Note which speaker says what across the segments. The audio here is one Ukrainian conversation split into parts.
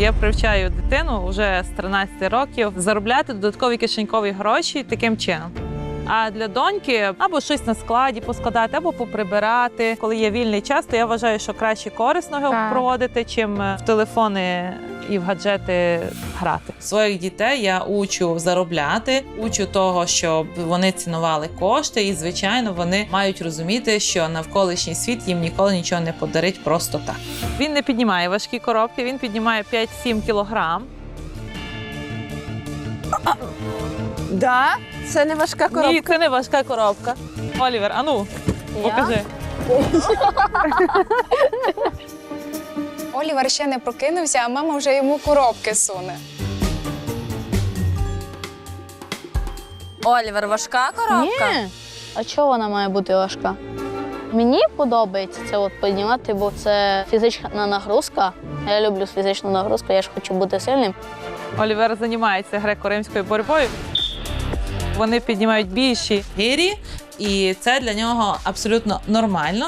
Speaker 1: Я привчаю дитину вже з 13 років заробляти додаткові кишенькові гроші таким чином. А для доньки або щось на складі поскладати, або поприбирати. Коли є вільний час, то я вважаю, що краще корисно його проводити, чим в телефони і в гаджети грати. Своїх дітей я учу заробляти, учу того, щоб вони цінували кошти, і, звичайно, вони мають розуміти, що навколишній світ їм ніколи нічого не подарить просто так. Він не піднімає важкі коробки, він піднімає 5-7 кілограм.
Speaker 2: Да? Це не важка коробка?
Speaker 1: Ні, це не важка коробка. Олівер, ану, покажи.
Speaker 3: Олівер ще не прокинувся, а мама вже йому коробки суне.
Speaker 4: Олівер, важка коробка?
Speaker 5: Ні. А чого вона має бути важка? Мені подобається це от піднімати, бо це фізична нагрузка. Я люблю фізичну нагрузку, я ж хочу бути сильним.
Speaker 1: Олівер займається греко-римською боротьбою. Вони піднімають більші гирі, і це для нього абсолютно нормально.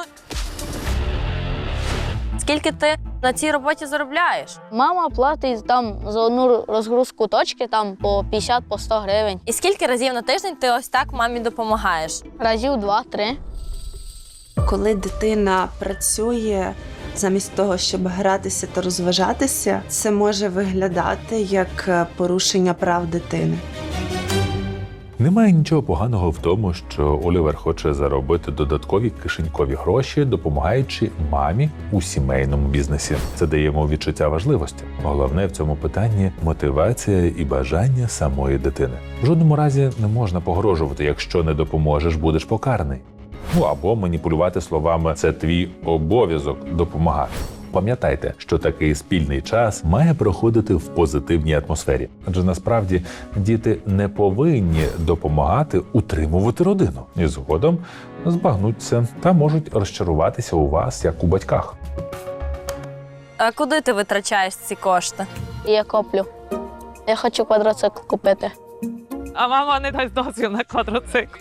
Speaker 4: Скільки ти на цій роботі заробляєш?
Speaker 5: Мама платить там за одну розгрузку точки там по 50, по 100 гривень.
Speaker 4: І скільки разів на тиждень ти ось так мамі допомагаєш?
Speaker 5: Разів 2-3.
Speaker 2: Коли дитина працює, замість того, щоб гратися та розважатися, це може виглядати як порушення прав дитини.
Speaker 6: Немає нічого поганого в тому, що Олівер хоче заробити додаткові кишенькові гроші, допомагаючи мамі у сімейному бізнесі. Це дає йому відчуття важливості. Головне в цьому питанні – мотивація і бажання самої дитини. В жодному разі не можна погрожувати, якщо не допоможеш, будеш покараний. Або маніпулювати словами «це твій обов'язок допомагати». Пам'ятайте, що такий спільний час має проходити в позитивній атмосфері. Адже насправді діти не повинні допомагати утримувати родину. І згодом збагнуться та можуть розчаруватися у вас, як у батьках.
Speaker 4: А куди ти витрачаєш ці кошти?
Speaker 5: І я коплю. Я хочу квадроцикл купити.
Speaker 1: А мама не дасть дозвіл на квадроцикл.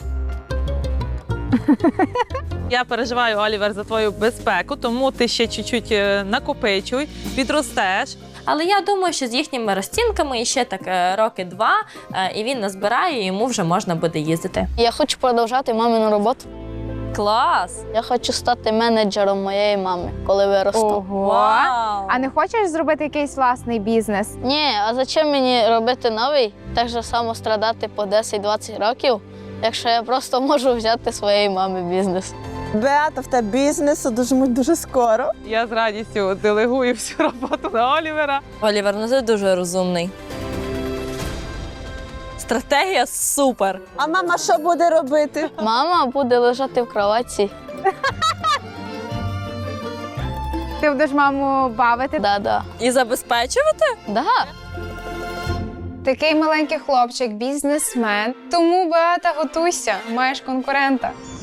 Speaker 1: Я переживаю, Олівер, за твою безпеку, тому ти ще чуть-чуть накопичуй, підростеш.
Speaker 4: Але я думаю, що з їхніми розцінками ще так роки 2, і він назбирає, і йому вже можна буде їздити.
Speaker 5: Я хочу продовжати мамину роботу.
Speaker 4: Клас!
Speaker 5: Я хочу стати менеджером моєї мами, коли виросту.
Speaker 7: Ого!
Speaker 4: Вау!
Speaker 7: А не хочеш зробити якийсь власний бізнес?
Speaker 5: Ні, а зачем мені робити новий, так же само страдати по 10-20 років, якщо я просто можу взяти своєї мами бізнес?
Speaker 2: Беата, в тебе бізнесу дуже скоро.
Speaker 1: Я з радістю делегую всю роботу на Олівера.
Speaker 4: Олівер, ну ти дуже розумний. Стратегія супер!
Speaker 2: А мама що буде робити?
Speaker 5: Мама буде лежати в кроватці.
Speaker 7: Ти будеш маму бавити?
Speaker 5: Да-да.
Speaker 4: І забезпечувати?
Speaker 5: Да.
Speaker 3: Такий маленький хлопчик, бізнесмен. Тому, Беата, готуйся, маєш конкурента.